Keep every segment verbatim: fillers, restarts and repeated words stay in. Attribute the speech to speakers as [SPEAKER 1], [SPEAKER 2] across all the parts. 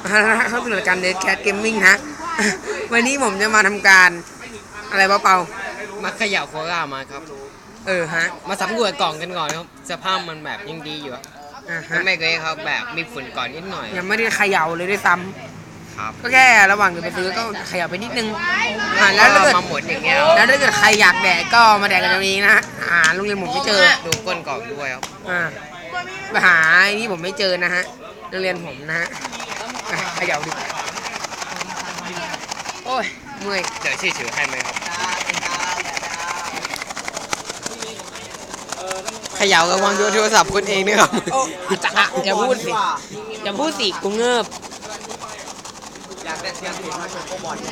[SPEAKER 1] เข้าสู่รายการเดทแคทเกมมิ่งฮะวันนี้ผมจะมาทำการอะไรเปล่า
[SPEAKER 2] มาเขย่าโครามาครับ
[SPEAKER 1] เออฮะ
[SPEAKER 2] มาสำรวจกล่องกันก่อนครับสภาพมันแบบยังดีอยู่
[SPEAKER 1] อ่าฮะ
[SPEAKER 2] ไม่เคยครับแบบมีฝุ่นก่อนนิดหน่อย
[SPEAKER 1] ยังไม่ได้เขย่าเลยด้วยซ้ำ
[SPEAKER 2] ครับ
[SPEAKER 1] ก็แค่ระหว่างเดินไปซื้อก็เขย่าไปนิดนึงอ่าแล้วถ้าเกิด
[SPEAKER 2] มาหมดอย่างเงี้ย
[SPEAKER 1] แล้วถ้าเกิดใครอยากแดกก็มาแดกกันตรงนี้นะอ่าโรงเรียนผมไม่เจอ
[SPEAKER 2] ดูก้นกล่องด้วยครับ
[SPEAKER 1] อ่าไปหาที่ผมไม่เจอนะฮะโรงเรียนผมนะฮะเขย่าดิโอ้ยเมื่อย
[SPEAKER 2] เดี๋ยวชื่อถือให้ไหมครับเขย่ากับวางโทรศัพท์คุณเองนี่ครับ
[SPEAKER 1] จะอย่าพูดสิอย่าพูดสิกูเงิบ
[SPEAKER 2] อยากได้เสียงผิดมาชมโคบอล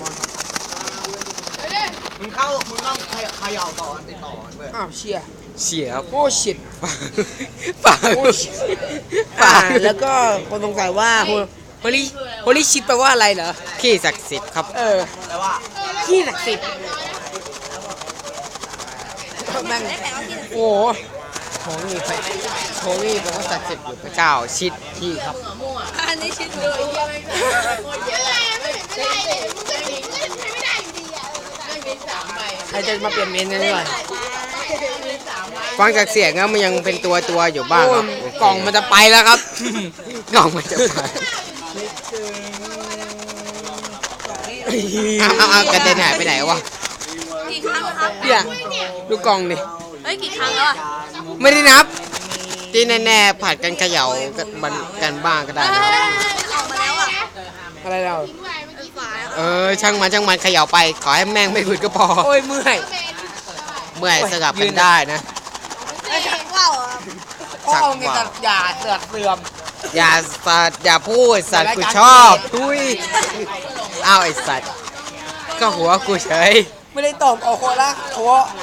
[SPEAKER 2] มึงเข้ามึงต้องเขย่าต่อติดต่อเว้ย
[SPEAKER 1] อ้าวเชีย
[SPEAKER 2] เสียครับ
[SPEAKER 1] โอ้ชิด
[SPEAKER 2] ปาก
[SPEAKER 1] ปากแล้วก็คนสงสัยว่าโฮลิโฮลิชิดแปลว่าอะไรเหรอ
[SPEAKER 2] ขี้ศักดิ์สิทธิ์ครับ
[SPEAKER 1] เออแปลว่าขี้ศักดิ์สิทธิ์แม่งโอ้โหนี่ไปโหนี่แปลว่าศักดิ์สิทธิ์อยู่พระเจ้าชิดขี้ครับ
[SPEAKER 3] อันนี้ชิดเลย
[SPEAKER 1] ใครจะมาเปลี่ยนเมนกันด้วย
[SPEAKER 2] ฟังจากเสียงแล้วมันยังเป็นตัวตัวอยู่บ้างครับ
[SPEAKER 1] กล่องมันจะไปแล้วครับ
[SPEAKER 2] กล่องมันจะไปเอาเอากระเด็นหายไปไหนวะ
[SPEAKER 3] กี่ครั้งครับ
[SPEAKER 1] เนี่ยดูกล่องดิ
[SPEAKER 3] เฮ้ยกี่ครั้งแล้วอ่ะ
[SPEAKER 1] ไม่ได้นับ
[SPEAKER 2] ที่แน่ๆผัดกันเขย่ากันกันบ้างก็ได้นะ
[SPEAKER 3] ออกมาแล้วอ่ะ
[SPEAKER 1] อะไรเรา
[SPEAKER 2] เออช่างมันช่างมันเขย่าไปขอให้แม่งไม่ฝืดก็พอ
[SPEAKER 1] โอ้ยเมื่อย
[SPEAKER 2] เมื่อยสลับกันได้นะ
[SPEAKER 3] ชักว่าว
[SPEAKER 1] พ่อมีแต่อย่าเสือกเสื่อม
[SPEAKER 2] อย่าสัตว์อย่าพูดสัตว์กูชอบทุยอ้าวไอสัตว์ก็หัวกูเฉย
[SPEAKER 1] ไม่ได้ตบเอาโคละโค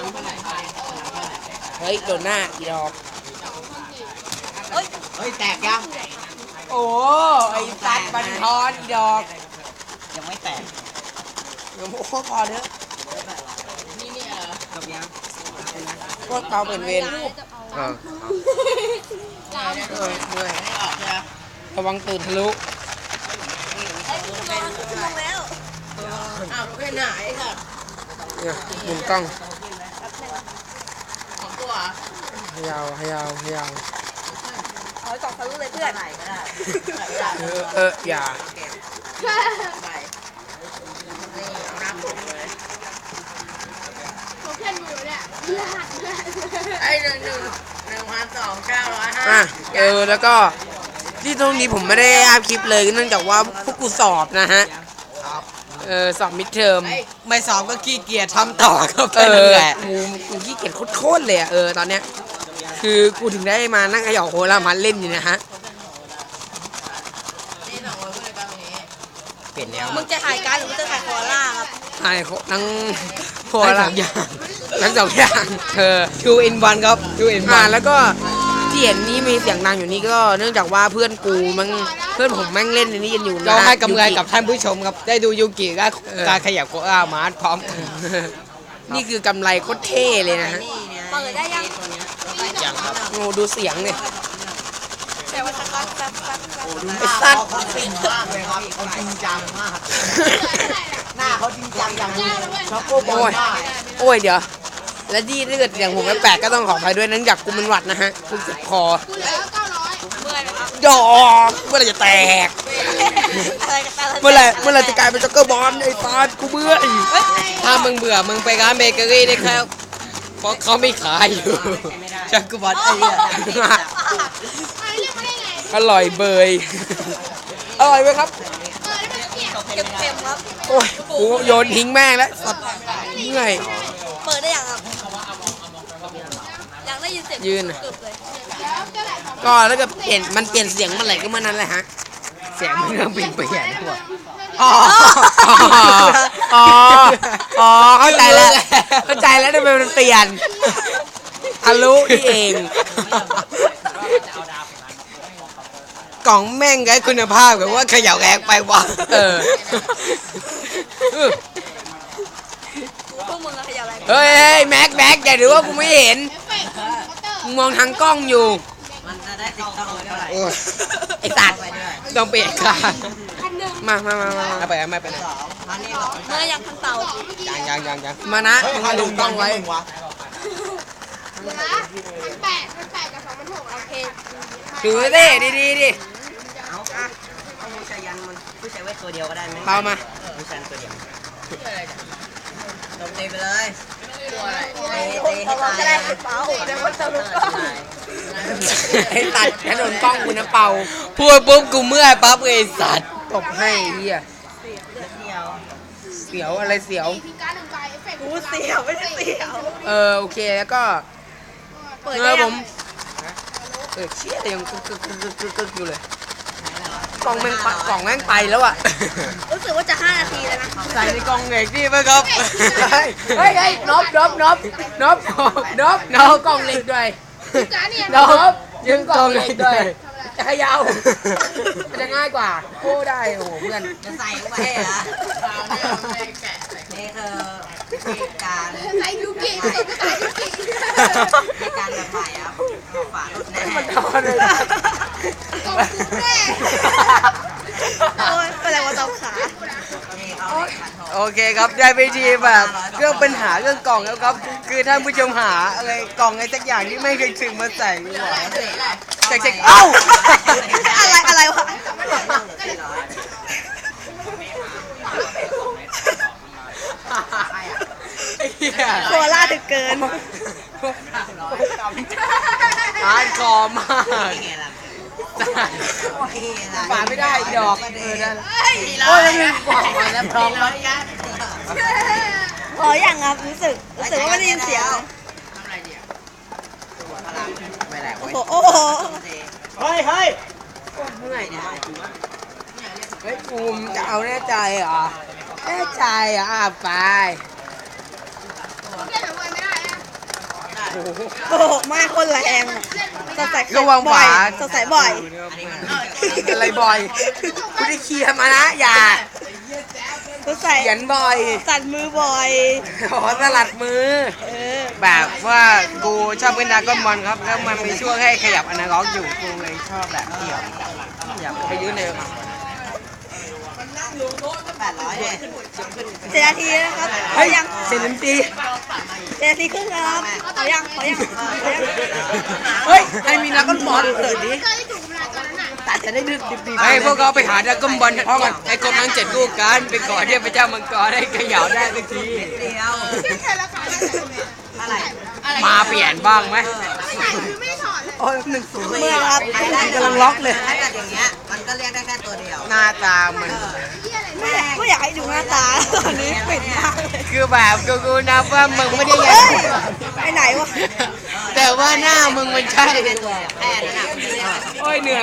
[SPEAKER 1] เฮ้ยโดนหน้าอีดอก
[SPEAKER 3] เฮ้ย
[SPEAKER 2] เฮ้ยแตกยัง
[SPEAKER 1] โอ้ไอสัตว์บันทอนอีดอก
[SPEAKER 2] ยังไม่แตก
[SPEAKER 1] ยังโคตรพอเถอะ
[SPEAKER 3] นี่เนี่ย
[SPEAKER 2] จบยัง
[SPEAKER 1] พวกเตาเป็นเวร
[SPEAKER 2] เออ
[SPEAKER 1] เออเมื่อยระวังตื่นทะลุ
[SPEAKER 3] อ้าวไปไหนค่ะ
[SPEAKER 1] เนี่ยหมุนกล้อง
[SPEAKER 3] ของตัว
[SPEAKER 1] ให้ยาวให้ยาวให้ยาว
[SPEAKER 3] เอากล่องทะลุเลยเพื่อน
[SPEAKER 1] เออเอออย่า
[SPEAKER 3] ไอ้หนึ่งหนึ่งหนึ่งพันสองเก้าร้อยห้า
[SPEAKER 1] อ่ะเออแล้วก็ที่ตรงนี้ผมไม่ได้อัพคลิปเลยเนื่องจากว่าพวกกูสอบนะฮะเออสอบมิดเทอม
[SPEAKER 2] ไม่สอบก็ขี้เกียจทำต่อก็
[SPEAKER 1] เออกูกูขี้เกียจโคตรเลยอ่ะเออตอนเนี้ยคือกูถึงได้มานั่งขย่อโคลามันเล่นอยู่นะฮะ
[SPEAKER 2] เปลี่ยนแล้ว
[SPEAKER 3] มึงจะถ่ายการหรือมึงจะถ่ายโคล่าครับ
[SPEAKER 1] ถ่ายทั้งโคลา
[SPEAKER 2] อย่าง
[SPEAKER 1] ทั้งสองอย่างเออ
[SPEAKER 2] two in one ครับ two in one
[SPEAKER 1] แล้วก็ที่เห็นนี่มีเสียงดังอยู่นี่ก็เนื่องจากว่าเพื่อนกูมันเพื่อนผมแม่งเล่นในนี้กันอยู่นะ
[SPEAKER 2] เราให้กำไรกับท่านผู้ชมครับได้ดูยูกิและการขยับโคอามาร์ทพร้อม
[SPEAKER 1] นี่คือกำไรโคตรเท่เลยนะฮะ
[SPEAKER 3] เปิดได้ยัง
[SPEAKER 2] ยังครับ
[SPEAKER 1] โอ้ดูเสียงเนี่ย
[SPEAKER 3] แต่ว่าสักสักสัก
[SPEAKER 1] ไอ้สัตว์
[SPEAKER 2] จริงมากเลยครับเขาจริงจังมากหน้าเขาจริงจังอย่างนี้ช็อกโกบอล
[SPEAKER 1] โอ้ยเดี๋ยวและที่ถ้าเกิดอย่างผมแปลกก็ต้องขออภัยด้วยนั้นอยากกูมันหวัดนะฮะกูเจ็บคอดอกเมื่อไรจะแตกเมื่อไรเมื่อไรจะกลายเป็นจ็อกเกอร์บอลไอ้ตากูเบื่อ
[SPEAKER 2] ถ้ามึงเบื่อมึงไปร้านเบเกอรี่ได้ครับเพราะเขาไม่ขายอยู่ช็อกโกบอลไอ้เนี่ย
[SPEAKER 1] อร่อยเบยอร่อยไหมครับ
[SPEAKER 3] เค็มๆครับ
[SPEAKER 1] โอ้ยกูโยนทิ้งแม่งแล้วสัตว์เมื่อย
[SPEAKER 3] เปิดได้ยังครับยังได้ยินเสียง
[SPEAKER 1] ยืนก็แล้วก็เปลี่ยนมันเปลี่ยนเสียงเมื่อไหร่ก็เมื่อนั้นแหละฮะ
[SPEAKER 2] เสียงมันเริ่มเปลี่ยนไปแย่ทั่ว
[SPEAKER 1] อ๋ออ๋ออ๋อเข้าใจแล้วเข้าใจแล้วทำไมมันเปลี่ยนทะลุนี่เอง
[SPEAKER 2] กล่องแม่งไงคุณภาพแบบว่าเขย่าแรงไปวะ
[SPEAKER 1] เออ
[SPEAKER 3] พวกมึงอะขยับอะไร
[SPEAKER 1] เฮ้ยแม็กแม็กอย่าดูว่ากูไม่เห็นมึงมองทางกล้องอยู่
[SPEAKER 2] มันจะได้ติดกล้องไว้เท่าไหร่
[SPEAKER 1] ไอ้สัตว์
[SPEAKER 2] ต้องเปลี่ยนค่ะ
[SPEAKER 1] มามามามา
[SPEAKER 2] เอาไปเอาไม่ไปไหน
[SPEAKER 4] เมื่อยังทันเต่า
[SPEAKER 2] ยังยังยังยัง
[SPEAKER 1] มานะมึงมาดูกล้องไว้
[SPEAKER 4] พันแปดพันแปดกับสองพันหกโอเค
[SPEAKER 1] ถือดิดีดีดิ
[SPEAKER 3] เอาอ่ะเอาผู้ชายยันมันผู้ชายเวทตัวเดียวก็ได้ไหม
[SPEAKER 1] เปล่ามา
[SPEAKER 3] ผู้ชายตัวเดียวตบตีไปเลยตีตีให้ตาย
[SPEAKER 4] ก็ได้เปล่าเดี๋ยวมันจะรู้ก็
[SPEAKER 1] ให้ตัดถนนกล้องกูนะเป่า
[SPEAKER 2] พูดปุ๊บกูเมื่อยปั๊บไอ้สัตว์
[SPEAKER 1] ตบให้เฮีย
[SPEAKER 3] เดียว
[SPEAKER 1] เสียวอะไรเสียว
[SPEAKER 4] กูเสียวไม่ได้เสียว
[SPEAKER 1] เออโอเคแล้วก็
[SPEAKER 4] เปิด
[SPEAKER 1] เอ
[SPEAKER 4] ได้
[SPEAKER 1] อผ
[SPEAKER 4] ยัง
[SPEAKER 1] มเออเชี่ยยังกึกกึกกึกกึกกึกกึกอยู่เลยกล่องแม่งปะกล่องแม่งไปแล้วอ่ะ
[SPEAKER 4] รู้สึกว่าจะห้านาทีแล้วนะ
[SPEAKER 2] ใส่ในกล่องเหล็กนี่ไหมครับ
[SPEAKER 1] เฮ้ยเฮ้ยเฮ้ยนบนบนบนบนบนบกล่องเหล็กด้วยนบยืมกล่องเหล็กด้วยจะขยาวมันจะง่ายกว่าโอ้ได้โอ้โหเพื่อน
[SPEAKER 3] จะใส่เข้าไปเหรอนี่คือวิธีการ
[SPEAKER 4] ใส่ยูกิใส่ยูกิ
[SPEAKER 3] ในการแบบใหม่ครับฝาลุดแน่
[SPEAKER 1] มันทำเลย
[SPEAKER 4] ตบกูแน่โอ้ยเป็นไรวะตบขา
[SPEAKER 3] นี่เอาขันทอง
[SPEAKER 2] โอเคครับได้วิธีแบบเรื่องปัญหาเรื่องกล่องแล้วครับ คือท่านผู้ชมหาอะไรกล่องอะไรสักอย่างที่ไม่เคยถึงมาใส่ดีกว่าเช็คเช็คเอ้า
[SPEAKER 4] อะไรอะไรวะ
[SPEAKER 2] ไอ้เหี้ย
[SPEAKER 4] โคราถึงเกิน
[SPEAKER 2] ฮาร์ดคอร์มาก
[SPEAKER 1] ฝาไม่ได้ดอกเออได้
[SPEAKER 4] เฮ้ย
[SPEAKER 1] โอ้ยมันกล่องมาแล้วพร้อมแล้ว
[SPEAKER 4] พออย่างครับรู้สึกรู้สึกว่าไม่ได้ยินเสียง
[SPEAKER 2] ไม่ได้
[SPEAKER 4] โอ้
[SPEAKER 2] เว้ย
[SPEAKER 4] โหโอ้โห
[SPEAKER 1] เฮ้ยเฮ้ยเมื่อยดิเฮ้ยภูมิจะเอาแน่ใจเหรอแน่ใจเหรอ่ะไปโอ้โห
[SPEAKER 4] โอ้โหมาคนแรงสดใส
[SPEAKER 2] ระวัง
[SPEAKER 4] บ่อ
[SPEAKER 2] ฝาย
[SPEAKER 4] สดใสบ่อย
[SPEAKER 1] อะไรบ่อยกูได้เคลียร์มานะอย่า
[SPEAKER 4] สดใส
[SPEAKER 1] เขียนบ่อย
[SPEAKER 4] สั่นมือบ่อย
[SPEAKER 1] ขอสลัดมือ
[SPEAKER 4] เออ
[SPEAKER 2] แบบว่ากูชอบเป็นดรากอนบอลครับ แล้วมันมีช่วงให้ขยับอนาล็อกอยู่กูเลยชอบแบบเดี่ยวขยับไปยืดเลยครับ
[SPEAKER 3] แปดร้อยเลย
[SPEAKER 4] เจ็ดนาทีนะครับ
[SPEAKER 1] เฮ้ย
[SPEAKER 4] ยัง
[SPEAKER 1] เซนตี
[SPEAKER 4] เจ็ดนาทีครึ่งนะครับขอยังขอยังขอยัง
[SPEAKER 1] เฮ้ยให้มีนักบอลเปิดดิตัดจะได้ดึกดิบดี
[SPEAKER 2] ไอ้พวกเขาไปหาดรากอนบอลพร้อมกันไอ้กรมทั้งเจ็ดลูกกันไปก่อนเทพเจ้ามังกรให้ขยับได้สักที
[SPEAKER 3] เดียวอะไร
[SPEAKER 2] มาเปลี่ยนบ้างไหม
[SPEAKER 1] โอ้ยหนึ่งศูนย์
[SPEAKER 4] เมื่อครับ
[SPEAKER 1] กำลังล็อกเลย
[SPEAKER 3] ถ้าเกิดอย่างเงี้ยมันก็เรียกได้แค่ตัวเดียว
[SPEAKER 2] หน้าตามัน
[SPEAKER 4] ไม่อยากไม่อยากให้ดูหน้าตาตอนนี้ปิดมากเลย
[SPEAKER 2] คือแบบกูกูนับว่ามึงไม่ได้ยั
[SPEAKER 4] เฮ้
[SPEAKER 2] ง
[SPEAKER 4] ยไปไหนวะ
[SPEAKER 2] แต่ว่าหน้ามึงมันใช่
[SPEAKER 3] แค่นั้นอ่ะมันจะเรียก
[SPEAKER 1] โอ้ยเหนื่อย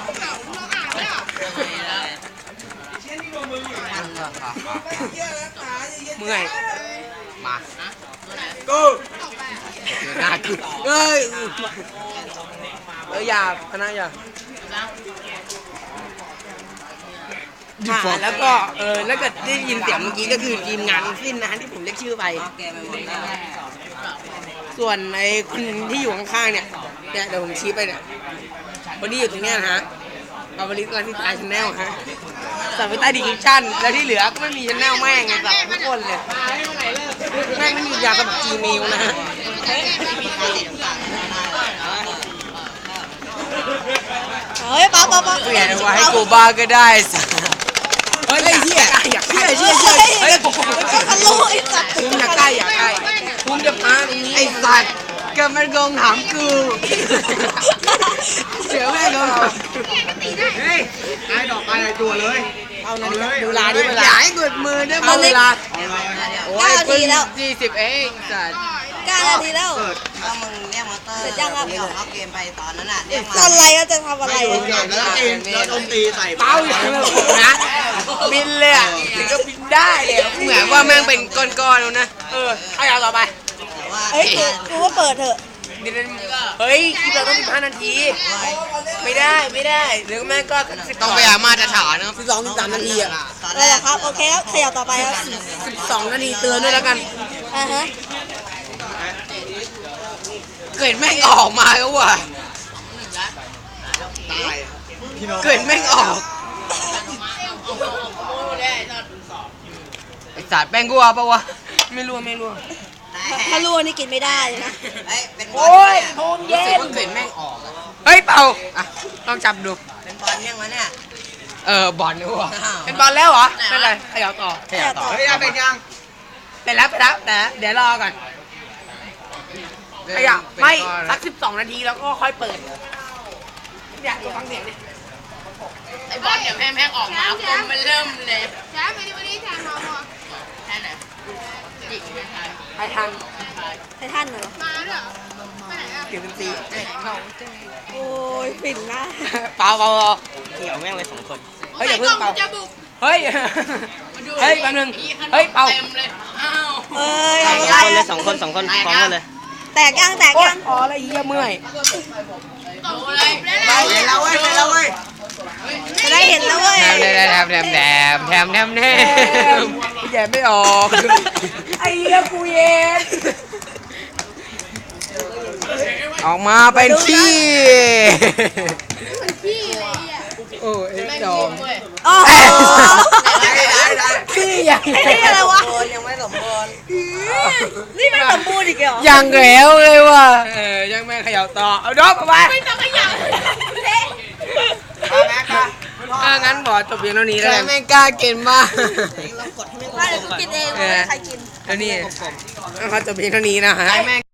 [SPEAKER 1] เมื่อย
[SPEAKER 2] มากูหน้ากูเอ้ย
[SPEAKER 1] เอออย่าพนักอย่าอ่าแล้วก็เออแล้วก็ได้ยินเสียงเมื่อกี้ก็คือทีมงานสิ้นนะที่ผมเรียกชื่อไป
[SPEAKER 3] แกไปหมดแล้ว
[SPEAKER 1] ส่วนไอ้คนที่อยู่ข้างๆเนี่ยเนี่ยเดี๋ยวผมชี้ไปเนี่ยคนที่อยู่ตรงเนี้ยนะฮะปาบริสลาที่ตายชแนลฮะสับไปใต้ดีคริปชั่นแล้วที่เหลือก็ไม่มีชแนลแม่งไงสับทุกคนเลยแม่งไม่มียาสมัครจีเมลนะฮะ
[SPEAKER 4] เฮ้ยป๊าป๊าป๊า
[SPEAKER 2] เปลี่ยนเอาไว้ให้กูบ้าก็ได้สัส
[SPEAKER 1] เฮ้ยเฮียอยากใกล้เชี่ยเชี่ยเฮ้ยผม
[SPEAKER 4] ทะลุไอ้สัตว์
[SPEAKER 1] ภูมิอยากใกล้อยากใกล้ภูมิจะพาตรงนี้
[SPEAKER 2] ไอ้สัตว์ก็มันโกงถามกูเสียวแม่งโกงถาม
[SPEAKER 1] เฮ้ยไอ้ดอกไปไอ้ตัวเลยเอานาฬิกาดูเวลาดิเว
[SPEAKER 2] อ
[SPEAKER 1] ลา
[SPEAKER 2] ย่าให้กดมือได้
[SPEAKER 1] เอาเวลา
[SPEAKER 2] โอ้ยเพิ่งยี่สิบเองสัตว์
[SPEAKER 4] เก้านาทีแล้ว
[SPEAKER 3] ก็มึงเรียกมอเตอร์
[SPEAKER 4] เสร็จยังครับ
[SPEAKER 3] เรียกเอาเกมไปตอนนั้นน่ะเรียก
[SPEAKER 4] ตอนไรเราจะทำอะไร
[SPEAKER 2] แล้วตีแล้วดนตรีใส่
[SPEAKER 1] เป้าอย่างนั้นนะบินเลยอ่ะถึงก็บินได้เลย
[SPEAKER 2] เหมือนว่าแม่งเป็นก้อนๆแล้วนะ
[SPEAKER 1] เออเอาอย่างต่อไป
[SPEAKER 3] แต่ว่า
[SPEAKER 4] เฮ้ยกูกูว่าเปิดเถอะ
[SPEAKER 1] เดี๋ยวเฮ้ยคลิปเราต้องสิบห้านาที ไม่ได้ไม่ได้หรือแม่ก็สิบ
[SPEAKER 2] ต้องไปหามาตรฐานนะครับ
[SPEAKER 1] สิบสองสิบสามนาทีอ่ะ
[SPEAKER 3] ตอน
[SPEAKER 4] เอ
[SPEAKER 3] แร
[SPEAKER 4] อก ครับโอเคครับขยับต่อไปครับ
[SPEAKER 1] สิบสองนาทีเตือนด้วยแล้วกัน
[SPEAKER 4] อ่าฮะ
[SPEAKER 2] เกิดแม่งออกมาแล้วว่ะเกิดแม่งออกสัตว์แป้งกลัวปะวะ
[SPEAKER 1] ไม่รู้ไม่รู้
[SPEAKER 4] ถ้ารู้นี่กินไม่ได้นะ
[SPEAKER 3] เฮ้ยเป็นบอ
[SPEAKER 1] โอ้ย
[SPEAKER 3] ล
[SPEAKER 1] โทน
[SPEAKER 3] รู้
[SPEAKER 1] เย็
[SPEAKER 3] สึก
[SPEAKER 1] น
[SPEAKER 3] ว่ากลิ่นแม่งออกอะ
[SPEAKER 1] เฮ้ยเป่าอ่ะลองจับดู
[SPEAKER 3] เป็นบอลยังวะเนี่ย
[SPEAKER 2] เออบอลนี่วะ
[SPEAKER 3] อ้าว
[SPEAKER 1] เป็นบอลแล้วเหรอไม่เป็นไรขยับต่อ
[SPEAKER 2] ขยับต่อ
[SPEAKER 4] เฮ้
[SPEAKER 2] เฮ้ย
[SPEAKER 4] ย
[SPEAKER 2] เอาไปยัง
[SPEAKER 1] เป็นแล้วเป็นแล้วแต่เดี๋ยวรอก่อนขยับไม่สักสิบสองนาทีแล้วก็ค่อยเปิดอยากฟังเสียงดิไอ้บอลเดี๋ยวแม่งออกมาคนมันเริ่มเลย
[SPEAKER 4] แจ๊บไปดิวันนี้แทนมาหมด
[SPEAKER 1] แค่ไหนจิกไปทาง
[SPEAKER 4] ไททันเหรอ
[SPEAKER 1] มาเหรอไปไหนอ่ะเกี่ยวกันตี
[SPEAKER 4] โอ้ยฝิ่นนะ
[SPEAKER 1] เปล่าเปล่า
[SPEAKER 2] เกี่ยวแม่งเลยสองคน
[SPEAKER 1] เฮ้ยอย่าเพิ่งเป่าเฮ้ยเฮ้ยแป๊บนึงเฮ้ยเป่า
[SPEAKER 4] เอ้ย
[SPEAKER 2] คนเลยสองคนสองคนพร้อมกันเลย
[SPEAKER 4] แตกยังแตก
[SPEAKER 1] โอ๊ย
[SPEAKER 4] ยัง
[SPEAKER 1] พอแล้วเหี้ยเมื่อย
[SPEAKER 3] ไปเห็นแล้วเว้ยเห็นแล้วเว้ย
[SPEAKER 4] จะได้เห็นแล้วเว้ย
[SPEAKER 2] แถมแถมแถมแถมแถมแถมแถม
[SPEAKER 1] แย่ไม่ออกไอ้เหี้ยกูเย็น
[SPEAKER 2] ออกมาเป็นขี้
[SPEAKER 1] โอ้เอ็กจอม
[SPEAKER 4] โอ้โห
[SPEAKER 3] ได้ได้ได้
[SPEAKER 1] ขี้อย่าง
[SPEAKER 4] ไอ้นี่อะไรวะ
[SPEAKER 3] บอลยังไม่สมบูรณ์
[SPEAKER 4] นี่มันสมบูรณ์อีกเหรอ
[SPEAKER 2] ยังแล้วเลยว่ะ
[SPEAKER 1] เออยังไม่ขยับต่อเอาดอกเอาไปไม่ต้องขยับเละถ้างั้นบอกจบเพียงเท่านี้
[SPEAKER 2] ใค
[SPEAKER 1] แล้ว
[SPEAKER 2] ร
[SPEAKER 1] กัน
[SPEAKER 2] ไม่กล้ากินมาก
[SPEAKER 3] เรากดให้ไม่
[SPEAKER 4] ว่าเดี๋ยวกูกินเองว่าใครกิน
[SPEAKER 1] แล้วนี่เขาจบเพียงเท่านี้นะฮะ
[SPEAKER 2] แม่ง